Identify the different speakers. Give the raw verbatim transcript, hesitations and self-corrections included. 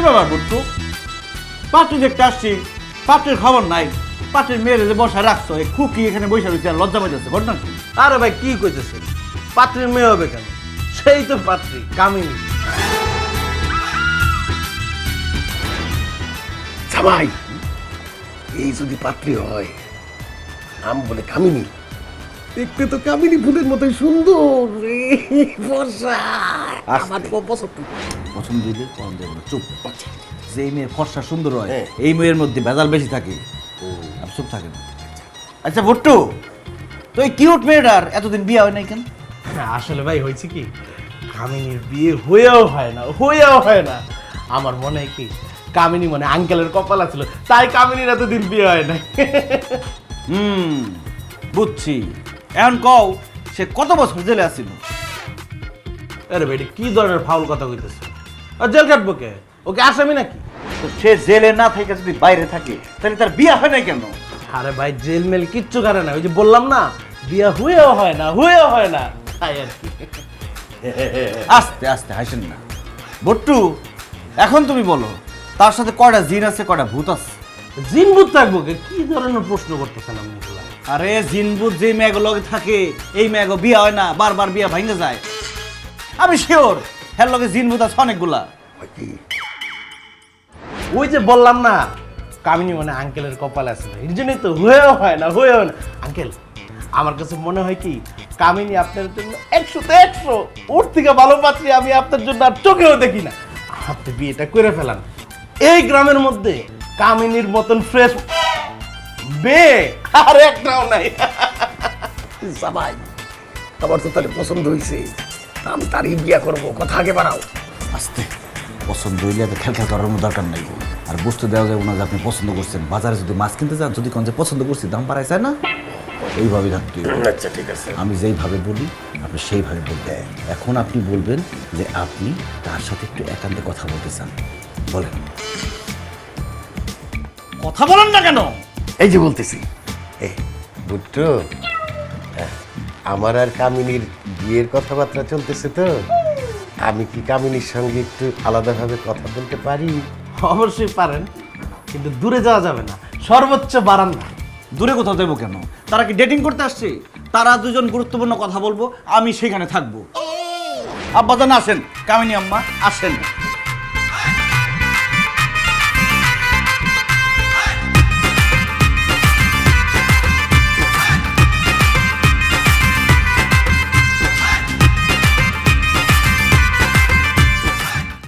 Speaker 1: ব্যাপার বুট্টু? পাত্রী দেখতে আসছি, পাত্রের খবর নাই। পাত্রের মেয়ের যে বসা রাখছো, এই খুকি এখানে বসে রয়েছে আর লজ্জা পাইতেছে, ঘটনা কি?
Speaker 2: আরে ভাই কি কইতেছেন, পাত্রীর মেয়ে হবে কেন? সেই তো পাত্রী, কামিনী।
Speaker 3: জামাই, এই যদি পাত্রী হয়, নাম বলে কামিনী। দেখতে তো কামিনী ফুলের মতোই সুন্দর রে, ফর্সা। আমার খুব পছন্দ।
Speaker 1: পছন্দ দিলে পছন্দ দেবো না, চুপ। যে মেয়ে ফর্সা সুন্দর হয়, এই মেয়ের মধ্যে ভেজাল বেশি থাকে। আর চুপ থাকে না। আচ্ছা ভুট্টু, তো এই কিউট মেয়েটার এতদিন বিয়ে হয় নাই কেন?
Speaker 2: আসলে ভাই হয়েছে কি, কামিনীর বিয়ে হয়েও হয় না, হয়েও হয় না। আমার মনে হয় কি, কামিনী মানে আঙ্কেলের কপাল ছিল, তাই কামিনীর এতদিন বিয়ে হয় না।
Speaker 1: হুম, বুঝছি। এখন কও, সে কত বছর জেলে আসছিল?
Speaker 2: আরে ভাই, এটা কি ধরনের ফাউল কথা কইতেছে? আর জেল কাটবো কে? ওকে আসামি নাকি?
Speaker 1: তো সে জেলে না থেকে যদি বাইরে থাকে, তাহলে তার বিয়ে হয় নাই কেন?
Speaker 2: আরে ভাই, জেল মেল কিচ্ছু করে না, ওই যে বললাম না, বিয়ে হয়েও হয় না, হয়েও হয় না, তাই আর কি।
Speaker 1: আস্তে আস্তে হাসেন না বট্টু। এখন তুমি বলো, তার সাথে কয়টা জিন আছে, কয়টা ভূত আছে?
Speaker 2: জিনভূত থাকবো কে? কি ধরনের প্রশ্ন করতেছেন আপনি?
Speaker 1: আরে জিনভূত যে মেয়েগুলো থাকে, এই মেয়েগো বিয়ে হয় না, বারবার বিয়ে ভাঙে যায়। আমি শিওর হ্যার লগে জিনভূত আছে অনেকগুলা।
Speaker 2: ওই যে বললাম না, কামিনী মানে আঙ্কেলের কপাল আছে না, এর জন্যই তো হয়েও হয় না, হয়েও না। আঙ্কেল, আমার কাছে মনে হয় কি, কামিনী আপনার জন্য একশোতে একশো, ওর থেকে ভালো পাত্রী আমি আপনার জন্য আর চোখেও দেখি না। আপনি বিয়েটা করে ফেলান। এই গ্রামের মধ্যে কামিনীর মতন ফ্রেশ বিয়ে আর একটাও নাই।
Speaker 3: জামাই, আমার তো তাহলে পছন্দ হয়েছে, আমি তারই বিয়া করবো। কথা আগে বাড়াও।
Speaker 1: আস্তে, পছন্দ হইলে এত খেল খেল করার কোনো দরকার নাই। আর বুঝতে দেওয়া যাবে না যে আপনি পছন্দ করছেন। বাজারে যদি মাছ কিনতে যান, যদি কোন যে পছন্দ করছি, দাম বাড়ায় যায় না, এইভাবে থাকতে হবে।
Speaker 3: আচ্ছা ঠিক আছে।
Speaker 1: আমি যেইভাবে বলি আপনি সেইভাবে বলবেন। এখন আপনি বলবেন যে আপনি তার সাথে একটু একান্তে কথা বলতে চান। বলেন, কথা বলেন না কেন?
Speaker 3: এই যে বলতেছি, এই বুট্টু, আমার আর কামিনীর বিয়ের কথাবার্তা চলতেছে, তো আমি কি কামিনীর সঙ্গে একটু আলাদাভাবে কথা বলতে পারি?
Speaker 2: অবশ্যই পারেন, কিন্তু দূরে যাওয়া যাবে না, সর্বোচ্চ বারান্দা।
Speaker 1: দূরে কোথাও দেবো কেন? তারা কি ডেটিং করতে আসছে? তারা দুজন গুরুত্বপূর্ণ কথা বলবো, আমি সেখানে থাকবো। আব্বাজান আসেন, কামিনী আম্মা আসেন।